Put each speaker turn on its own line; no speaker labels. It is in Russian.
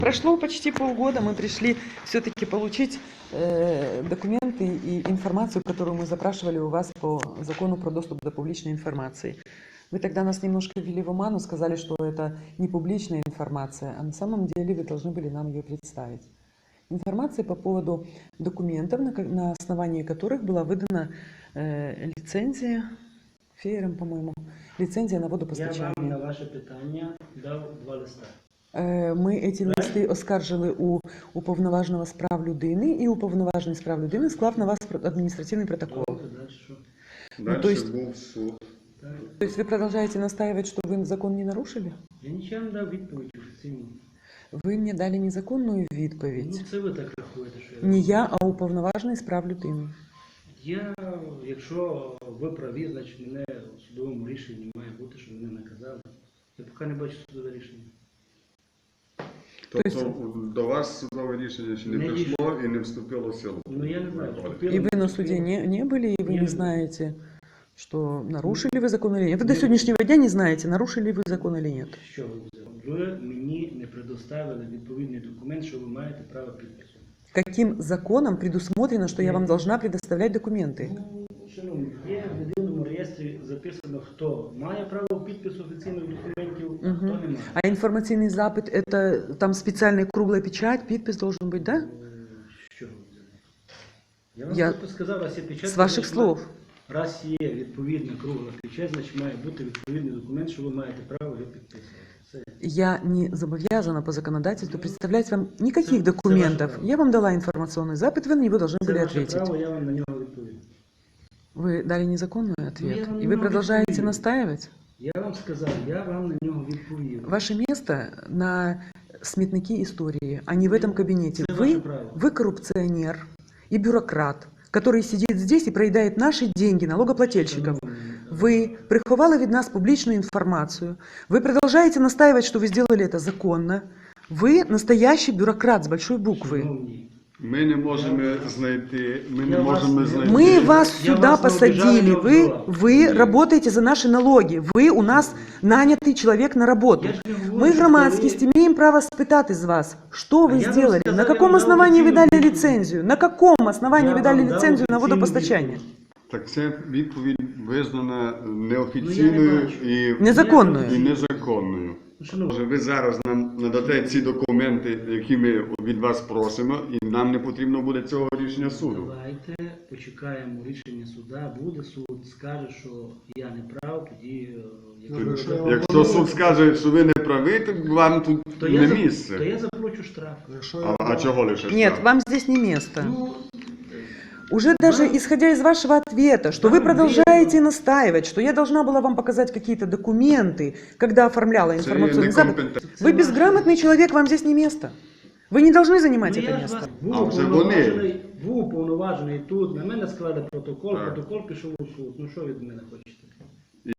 Прошло почти полгода, мы пришли все-таки получить документы и информацию, которую мы запрашивали у вас по закону про доступ до публичной информации. Вы тогда нас немножко ввели в оману, сказали, что это не публичная информация, а на самом деле вы должны были нам ее представить. Информация по поводу документов, на основании которых была выдана лицензия, Феєром, по-моему, лицензия на водопостачання.
Я вам на ваше питання дав 2 листа.
Ми ці листи оскаржили у уповноваженого з прав людини, і уповноважений з прав людини склав на вас адміністративний протокол.
Дальше був суд.
То есть вы продолжаете настаивать, что вы закон не нарушили?
Я нічого не дав відповідь офіційно.
Ви мені дали незаконну відповідь.
Ну це ви так рахуєте, що я...
Не я, а уповноважений з прав людини.
Якщо ви праві, значить мене у судовому рішенні має бути, що мене наказали. Я поки не бачу судове рішення.
Тобто до вас судове рішення ще не прийшло і не вступило в силу?
Ну я не знаю,
И вы на суде не были, и вы не знаете, что нарушили вы закон или нет. Вы до сегодняшнего дня не знаете, нарушили вы закон или нет.
Що ви взяли? Ви мені не предоставили відповідний документ, що ви маєте право підпису.
Каким законом предусмотрено, что я вам должна предоставлять документы?
Ну, шановні, є в єдиному реєстрі записано, хто має право підпису офіційних документів, а хто не має.
А информационный запит, это там специальная круглая печать, подпись должен быть, да?
Що ви взяли? Я вам просто сказав, раз є печать...
С ваших слов.
Раз є відповідна кругла печать, значить має бути відповідний документ, що ви маєте право його підписувати. Все.
Я не зобовязана по законодательству представлять вам никаких документов. Я вам дала информационный запит, вы на него должны были
Це ваше
ответить.
право, я вам на нього відповім.
Вы дали незаконный ответ,
я вам
и вы
не
продолжаете
отвечу.
настаивать?
Я вам сказав, я вам на нього відповів.
Ваше место на сметнике истории, а не в этом кабинете.
Это ваше право.
Вы коррупционер и бюрократ, который сидит здесь и проедает наши деньги налогоплательщиков. Вы приховали від нас публичную информацию. Вы продолжаете настаивать, что вы сделали это законно. Вы настоящий бюрократ с большой буквы.
Шановні,
Ми не можемо знайти,
Мы вас
Я
сюда
вас не
посадили.
обижаю, не обзывал.
Вы работаете за наши налоги. Вы у нас нанятый человек на работу.
Я ж не говорю,
Мы,
что
громадскість, имеем право спитать из вас, что вы
я вам
сделали,
сказал,
на
я
каком
вам
основании вы
дал
дали
официальную
лицензию, на каком основании
Я
вы дали
вам дал
лицензию на
официальную
водопостачание.
Так це відповідь визнана
Ну,
неофіційною
я не бачу.
і
Незаконною.
незаконною.
шановні,
Може, ви зараз нам надате ці документи, які ми від вас просимо, і нам не потрібно буде цього рішення суду.
давайте почекаємо рішення суда, буде суд, скаже, що я не прав, тоді...
Якщо суд скаже, що ви не праві, то вам тут
то
не місце.
То я заплачу штраф.
А чого лише
Нет,
штраф?
вам здесь не место.
Ну,
Уже даже исходя из вашего ответа, что вы продолжаете настаивать, что я должна была вам показать какие-то документы, когда оформляла
Це
информационный запит,
некомпетентність.
вы безграмотный человек, вам здесь не место. Вы не должны занимать
ну,
это
я ж
место.
вас
А вже вони.
був уповноважений тут, на мене склали протокол,
Так.
протокол пішов у суд. Ну що ви від мене хочете?